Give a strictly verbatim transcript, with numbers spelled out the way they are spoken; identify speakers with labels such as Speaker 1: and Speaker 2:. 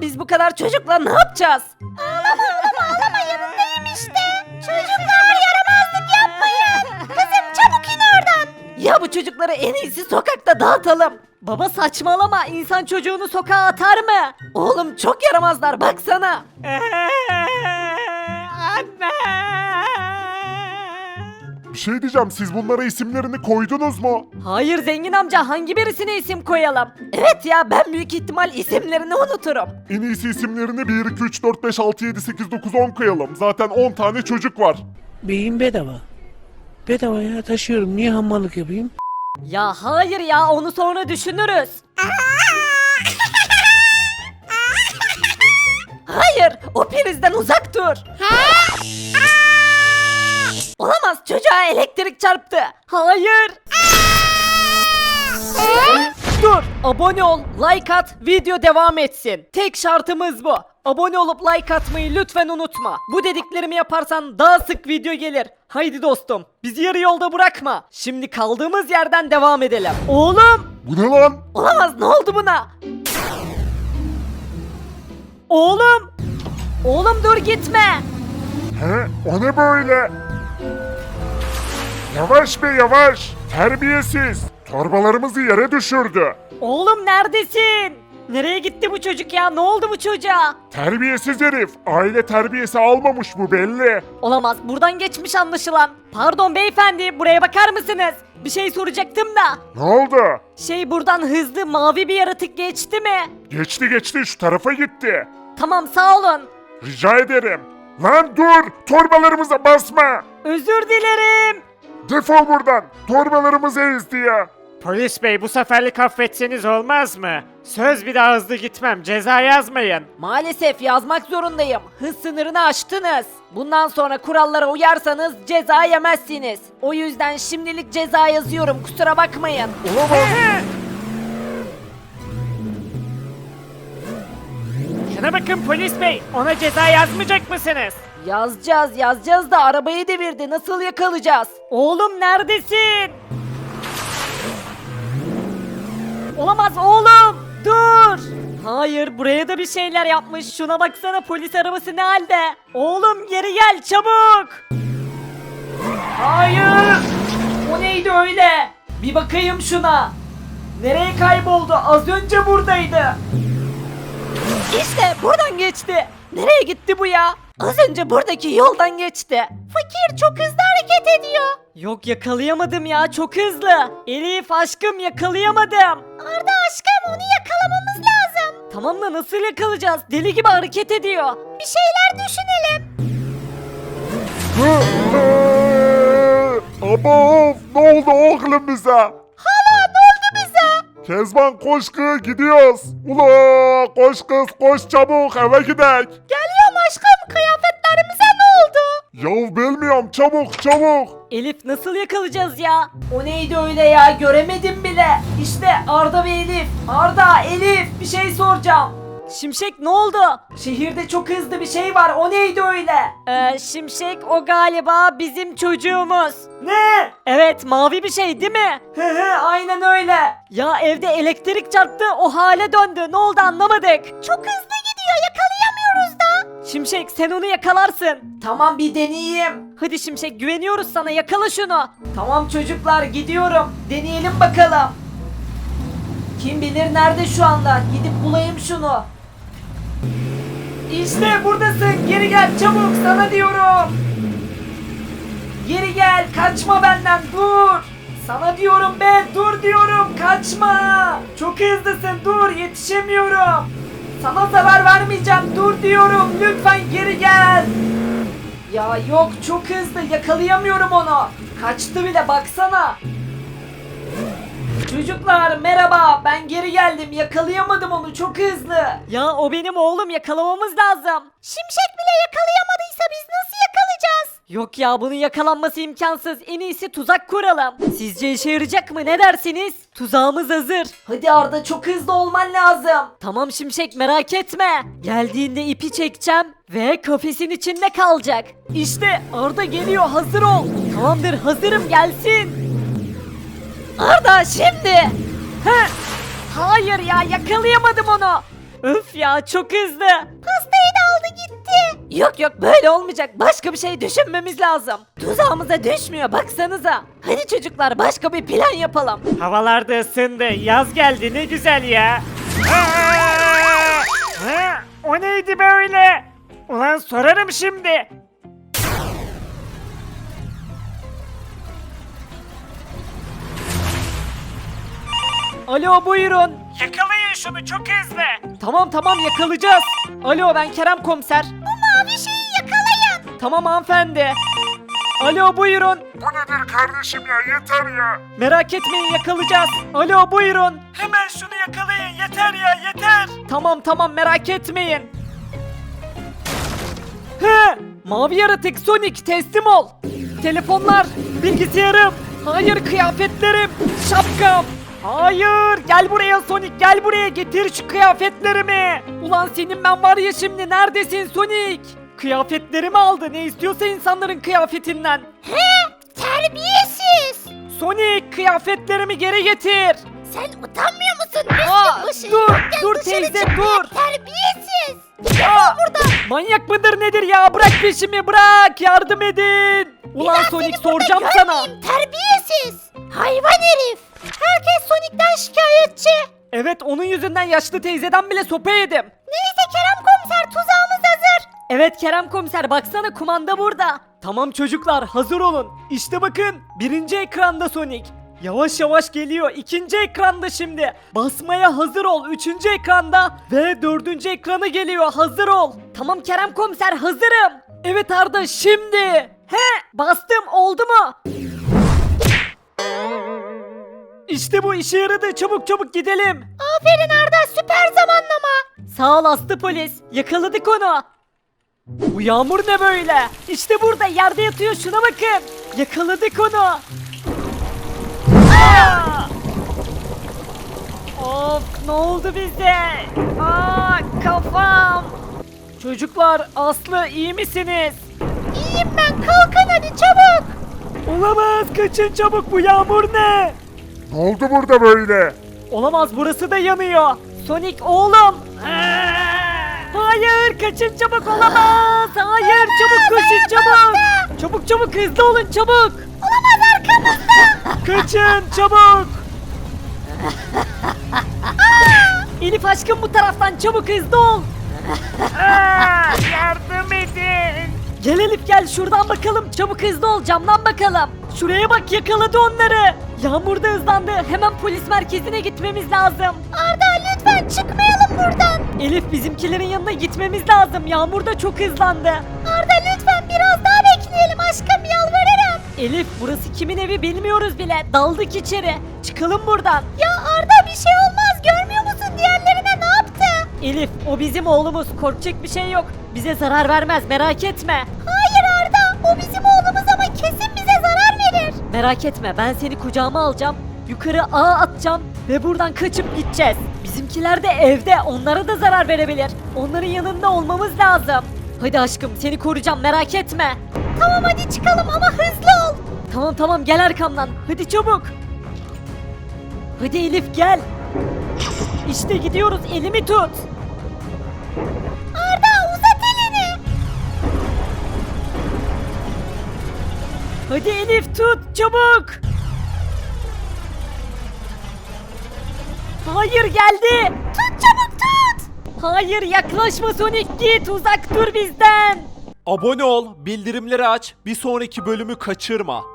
Speaker 1: biz bu kadar çocukla ne yapacağız?
Speaker 2: Ağlama oğlum ağlama yanındayım işte. Çocuklar yaramazlık yapmayın. Kızım çabuk in oradan.
Speaker 1: Ya bu çocukları en iyisi sokakta dağıtalım. Baba saçmalama, insan çocuğunu sokağa atar mı? Oğlum çok yaramazlar baksana.
Speaker 3: Anne.
Speaker 4: Bir şey diyeceğim, siz bunlara isimlerini koydunuz mu?
Speaker 1: Hayır zengin amca, hangi birisine isim koyalım? Evet ya, ben büyük ihtimal isimlerini unuturum.
Speaker 4: En iyisi isimlerini bir, iki, üç, dört, beş, altı, yedi, sekiz, dokuz, on koyalım. Zaten on tane çocuk var.
Speaker 5: Beyin bedava. Bedava ya, taşıyorum. Niye hamallık yapayım?
Speaker 1: Ya hayır ya, onu sonra düşünürüz. Hayır, o prizden uzak dur. Olamaz, çocuğa elektrik çarptı. Hayır. Dur, abone ol, like at, video devam etsin. Tek şartımız bu. Abone olup like atmayı lütfen unutma. Bu dediklerimi yaparsan daha sık video gelir. Haydi dostum, bizi yarı yolda bırakma. Şimdi kaldığımız yerden devam edelim. Oğlum!
Speaker 4: Bu ne lan?
Speaker 1: Olamaz, ne oldu buna? Oğlum! Oğlum dur gitme.
Speaker 4: He? O ne böyle? Yavaş be yavaş. Terbiyesiz. Torbalarımızı yere düşürdü.
Speaker 1: Oğlum neredesin? Nereye gitti bu çocuk ya? Ne oldu bu çocuğa?
Speaker 4: Terbiyesiz herif. Aile terbiyesi almamış bu belli.
Speaker 1: Olamaz, buradan geçmiş anlaşılan. Pardon beyefendi, buraya bakar mısınız? Bir şey soracaktım da.
Speaker 4: Ne oldu?
Speaker 1: Şey, buradan hızlı mavi bir yaratık geçti mi?
Speaker 4: Geçti geçti, şu tarafa gitti.
Speaker 1: Tamam, sağ olun.
Speaker 4: Rica ederim. Lan dur! Torbalarımıza basma!
Speaker 1: Özür dilerim.
Speaker 4: Defol buradan! Torbalarımızı ezdi ya!
Speaker 3: Polis bey bu seferlik affetseniz olmaz mı? Söz bir daha hızlı gitmem, ceza yazmayın.
Speaker 1: Maalesef yazmak zorundayım. Hız sınırını aştınız. Bundan sonra kurallara uyarsanız ceza yemezsiniz. O yüzden şimdilik ceza yazıyorum, kusura bakmayın.
Speaker 4: Olamaz!
Speaker 3: Şuna bakın polis bey, ona ceza yazmayacak mısınız?
Speaker 1: Yazacağız yazacağız da arabayı devirdi, nasıl yakalayacağız? Oğlum neredesin? Olamaz oğlum, dur. Hayır, buraya da bir şeyler yapmış. Şuna baksana, polis arabası ne halde? Oğlum geri gel çabuk. Hayır. O neydi öyle? Bir bakayım şuna. Nereye kayboldu? Az önce buradaydı. İşte buradan geçti. Nereye gitti bu ya? Az önce buradaki yoldan geçti.
Speaker 2: Fakir çok hızlı hareket ediyor.
Speaker 1: Yok, yakalayamadım ya, çok hızlı. Elif aşkım, yakalayamadım.
Speaker 2: Arda aşkım onu yakalamamız lazım.
Speaker 1: Tamam da nasıl yakalayacağız? Deli gibi hareket ediyor.
Speaker 2: Bir şeyler düşünelim.
Speaker 4: Aba ne oldu oğlum bize?
Speaker 2: Hala ne oldu bize?
Speaker 4: Kezban koş kız, gidiyoruz. Ula koş kız koş, çabuk eve gidek.
Speaker 2: Geliyorum aşkım, kıyafetlerimize ne oldu?
Speaker 4: Yav bilmiyorum, çabuk çabuk.
Speaker 1: Elif nasıl yakalayacağız ya? O neydi öyle ya? Göremedim bile. İşte Arda ve Elif. Arda, Elif, bir şey soracağım. Şimşek ne oldu? Şehirde çok hızlı bir şey var. O neydi öyle? Ee, Şimşek o galiba bizim çocuğumuz. Ne? Evet, mavi bir şey değil mi? Hı hı, aynen öyle. Ya evde elektrik çarptı, o hale döndü. Ne oldu anlamadık.
Speaker 2: Çok hızlı gidiyor, yakalayamıyoruz da.
Speaker 1: Şimşek sen onu yakalarsın. Tamam, bir deneyeyim. Hadi Şimşek, güveniyoruz sana, yakala şunu. Tamam çocuklar, gidiyorum. Deneyelim bakalım. Kim bilir nerede şu anda. Gidip bulayım şunu. İşte buradasın. Geri gel çabuk, sana diyorum. Geri gel, kaçma benden, dur. Sana diyorum be, dur diyorum, kaçma. Çok hızlısın, dur, yetişemiyorum. Sana zarar vermeyeceğim, dur diyorum, lütfen geri gel. Ya yok, çok hızlı, yakalayamıyorum onu. Kaçtı bile, baksana. Çocuklar merhaba, ben geri geldim, yakalayamadım onu, çok hızlı. Ya o benim oğlum, yakalamamız lazım.
Speaker 2: Şimşek bile yakalayamadıysa biz nasıl yakalayacağız?
Speaker 1: Yok ya, bunun yakalanması imkansız. En iyisi tuzak kuralım. Sizce işe yarayacak mı, ne dersiniz? Tuzağımız hazır. Hadi Arda, çok hızlı olman lazım. Tamam Şimşek, merak etme. Geldiğinde ipi çekeceğim ve kafesin içinde kalacak. İşte Arda geliyor, hazır ol. Tamamdır, hazırım, gelsin. Arda şimdi. Heh. Hayır ya, yakalayamadım onu. Öf ya çok hızlı.
Speaker 2: Pastayı da aldı gitti.
Speaker 1: Yok yok böyle olmayacak. Başka bir şey düşünmemiz lazım. Tuzağımıza düşmüyor baksanıza. Hadi çocuklar başka bir plan yapalım.
Speaker 3: Havalar da ısındı. Yaz geldi ne güzel ya. Aa! Ha, o neydi böyle? Ulan sorarım şimdi.
Speaker 1: Alo buyurun.
Speaker 3: Yakalayın şunu çok hızlı.
Speaker 1: Tamam tamam yakalayacağız. Alo ben Kerem komiser.
Speaker 2: Bu mavi şeyi yakalayın.
Speaker 1: Tamam hanımefendi. Alo buyurun.
Speaker 4: Bu nedir kardeşim ya yeter ya.
Speaker 1: Merak etmeyin yakalayacağız. Alo buyurun.
Speaker 3: Hemen şunu yakalayın yeter ya yeter.
Speaker 1: Tamam tamam merak etmeyin. He, mavi yaratık Sonic teslim ol. Telefonlar, bilgisayarım, hayır kıyafetlerim, şapkam. Hayır gel buraya Sonic gel buraya getir şu kıyafetlerimi. Ulan senin ben var ya şimdi neredesin Sonic? Kıyafetlerimi aldı ne istiyorsa insanların kıyafetinden.
Speaker 2: He, terbiyesiz.
Speaker 1: Sonic kıyafetlerimi geri getir.
Speaker 2: Sen utanmıyor musun?
Speaker 1: Aa,
Speaker 2: Üstün
Speaker 1: dur,
Speaker 2: başın
Speaker 1: dur
Speaker 2: dışarı
Speaker 1: teyze,
Speaker 2: çıkmaya
Speaker 1: dur.
Speaker 2: Terbiyesiz.
Speaker 1: Ya, manyak mıdır nedir ya bırak peşimi bırak yardım edin. Ulan
Speaker 2: daha
Speaker 1: Sonic
Speaker 2: seni burada
Speaker 1: soracağım sana.
Speaker 2: görmeyeyim, terbiyesiz. Hayvan herif. Herkes Sonic'ten şikayetçi.
Speaker 1: Evet onun yüzünden yaşlı teyzeden bile sopa yedim.
Speaker 2: Neyse Kerem komiser tuzağımız hazır.
Speaker 1: Evet Kerem komiser baksana kumanda burada. Tamam çocuklar hazır olun. İşte bakın birinci ekranda Sonic. Yavaş yavaş geliyor. İkinci ekranda şimdi. Basmaya hazır ol. Üçüncü ekranda ve dördüncü ekranı geliyor. Hazır ol. Tamam Kerem komiser hazırım. Evet Arda şimdi. He bastım oldu mu? İşte bu işe yaradı. Çabuk çabuk gidelim.
Speaker 2: Aferin Arda süper zamanlama.
Speaker 1: Sağ ol aslı polis. Yakaladık onu. Bu yağmur ne böyle? İşte burada yerde yatıyor şuna bakın. Yakaladık onu. Aa! Of ne oldu bize? Aa kafam. Çocuklar Aslı iyi misiniz?
Speaker 2: İyiyim ben kalkın hadi çabuk.
Speaker 1: Olamaz kaçın çabuk bu yağmur ne?
Speaker 4: Ne oldu burada böyle?
Speaker 1: Olamaz burası da yanıyor. Sonic oğlum. Hayır kaçın çabuk olamaz. Hayır çabuk koşun çabuk. Çabuk çabuk hızlı olun çabuk.
Speaker 2: Olamaz arkamızda.
Speaker 1: Kaçın çabuk. Elif aşkım bu taraftan çabuk hızlı ol.
Speaker 3: Aa, yardım edin.
Speaker 1: Gel Elif gel şuradan bakalım çabuk hızlı ol camdan bakalım. Şuraya bak yakaladı onları. Yağmur da hızlandı hemen polis merkezine gitmemiz lazım.
Speaker 2: Arda lütfen çıkmayalım buradan.
Speaker 1: Elif bizimkilerin yanına gitmemiz lazım yağmur da çok hızlandı.
Speaker 2: Arda lütfen biraz daha bekleyelim aşkım yalvarırım.
Speaker 1: Elif burası kimin evi bilmiyoruz bile daldık içeri. Çıkalım buradan.
Speaker 2: Ya Arda bir şey olmaz görmüyor musun diğerlerine ne yaptı?
Speaker 1: Elif o bizim oğlumuz korkacak bir şey yok. Bize zarar vermez merak etme.
Speaker 2: Hayır Arda o bizim oğlumuz ama kesin bize zarar verir.
Speaker 1: Merak etme ben seni kucağıma alacağım. Yukarı ağa atacağım ve buradan kaçıp gideceğiz. Bizimkiler de evde onlara da zarar verebilir. Onların yanında olmamız lazım. Hadi aşkım seni koruyacağım merak etme.
Speaker 2: Tamam hadi çıkalım ama hızlı ol.
Speaker 1: Tamam tamam gel arkamdan. Hadi çabuk. Hadi Elif gel. İşte gidiyoruz elimi tut.
Speaker 2: Arda uzat elini.
Speaker 1: Hadi Elif tut çabuk. Hayır geldi.
Speaker 2: Tut çabuk tut.
Speaker 1: Hayır yaklaşma Sonic git uzak dur bizden.
Speaker 6: Abone ol, bildirimleri aç, bir sonraki bölümü kaçırma.